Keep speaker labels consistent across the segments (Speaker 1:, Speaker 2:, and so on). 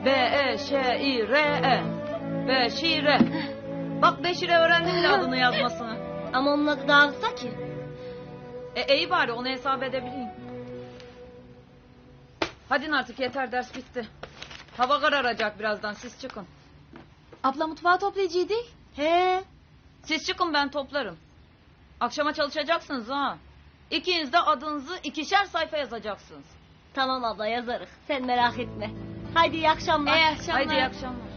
Speaker 1: B-E-Ş-İ-R-E. Beşire. Bak Beşire öğrendim bile adını yazmasını.
Speaker 2: Ama onun adı daha kısa ki.
Speaker 1: İyi bari onu hesap edebileyim. Hadi artık yeter, ders bitti. Hava kararacak birazdan, siz çıkın.
Speaker 3: Abla mutfağı toplayıcıydı.
Speaker 2: He.
Speaker 1: Siz çıkın, ben toplarım. Akşama çalışacaksınız ha. İkiniz de adınızı 2'şer sayfa yazacaksınız.
Speaker 2: Tamam abla yazarız. Sen merak etme. Haydi iyi akşamlar.
Speaker 3: İyi akşamlar.
Speaker 1: Haydi iyi akşamlar.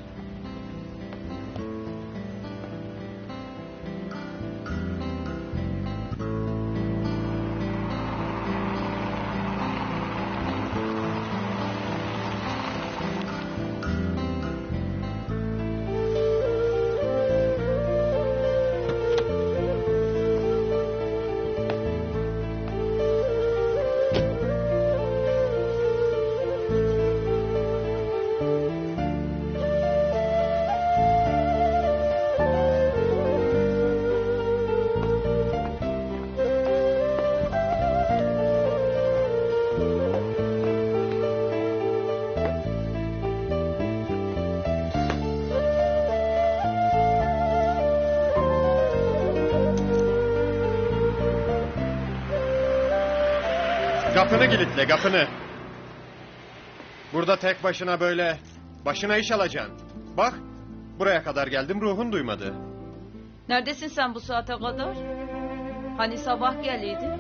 Speaker 4: Kapını kilitle, kapını. Burada tek başına böyle başına iş alacaksın. Bak, buraya kadar geldim, ruhun duymadı.
Speaker 1: Neredesin sen bu saate kadar? Hani sabah geliydi?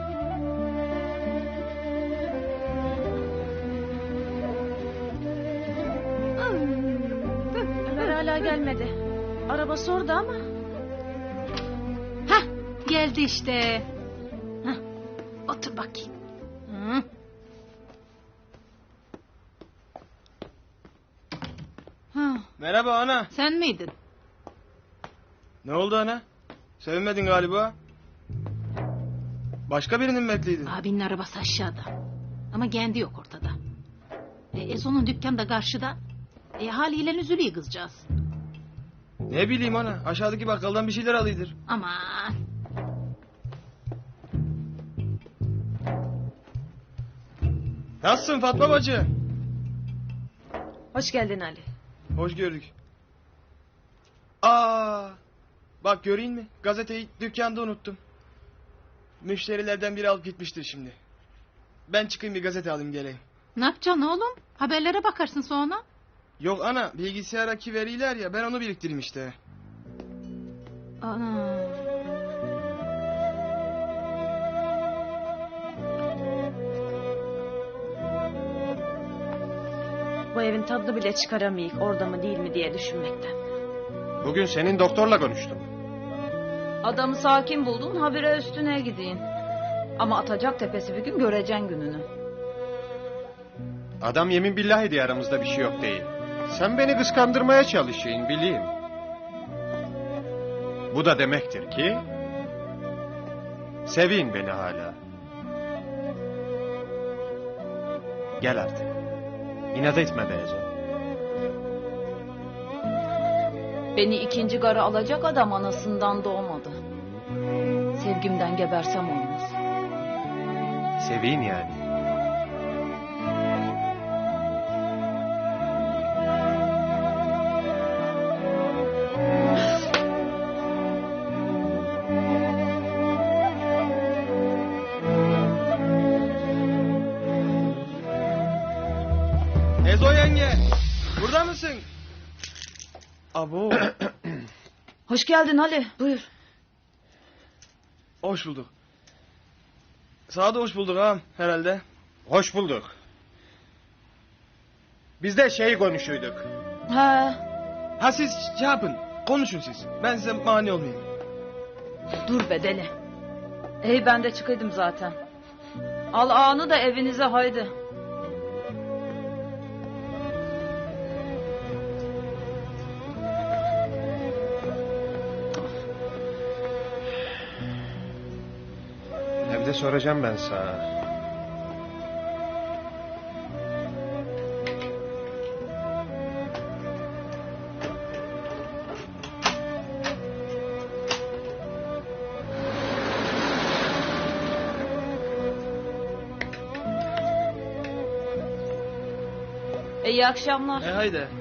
Speaker 3: Ömer hala gelmedi. Arabası orada ama. Hah, geldi işte. Hah, otur bakayım. Hı. Ha,
Speaker 5: Merhaba ana.
Speaker 3: sen miydin?
Speaker 5: Ne oldu ana? Sevinmedin galiba. Başka birinin mi bekliydin?
Speaker 3: Abinin arabası aşağıda. Ama kendi yok ortada. Ezo'nun dükkanı da karşıda. Haliyle üzülüyor kızcağız.
Speaker 5: Ne bileyim ana. Aşağıdaki bakkaldan bir şeyler alıydır.
Speaker 3: Aman.
Speaker 5: Nasılsın Fatma bacı?
Speaker 1: Hoş geldin Ali.
Speaker 5: Hoş gördük. Bak göreyim mi? Gazeteyi dükkanda unuttum. Müşterilerden biri alıp gitmiştir şimdi. Ben çıkayım bir gazete alayım geleyim.
Speaker 3: Ne yapacaksın oğlum? Haberlere bakarsın sonra.
Speaker 5: Yok ana, bilgisayardaki veriler ya, ben onu biriktireyim işte.
Speaker 3: Ana.
Speaker 6: Bu evin tadını bile çıkaramayık, orada mı değil mi diye düşünmekten.
Speaker 4: Bugün senin doktorla konuştum.
Speaker 1: Adamı sakin buldun, habire üstüne gideyim. Ama atacak tepesi bir gün, göreceksin gününü.
Speaker 4: Adam yemin billahi diye aramızda bir şey yok değil. Sen beni kıskandırmaya çalışıyorsun, bileyim. Bu da demektir ki sevin beni hala. Gel artık. İnat etme diyeceğim.
Speaker 1: Beni ikinci gara alacak adam anasından doğmadı. Sevgimden gebersem olmaz.
Speaker 4: Sevin yani.
Speaker 5: Ezo yenge, burada mısın? Abo,
Speaker 1: Hoş geldin Ali, buyur.
Speaker 5: hoş bulduk. Sana da hoş bulduk ağam herhalde.
Speaker 4: Hoş bulduk. Biz de şey konuşuyduk.
Speaker 1: He,
Speaker 5: Ha siz şey yapın, konuşun siz. Ben size mani olmayayım.
Speaker 1: dur be deli. Ben de çıkaydım zaten. Al ağanı da evinize haydi.
Speaker 4: Evde soracağım ben sana.
Speaker 1: İyi akşamlar.
Speaker 5: Haydi.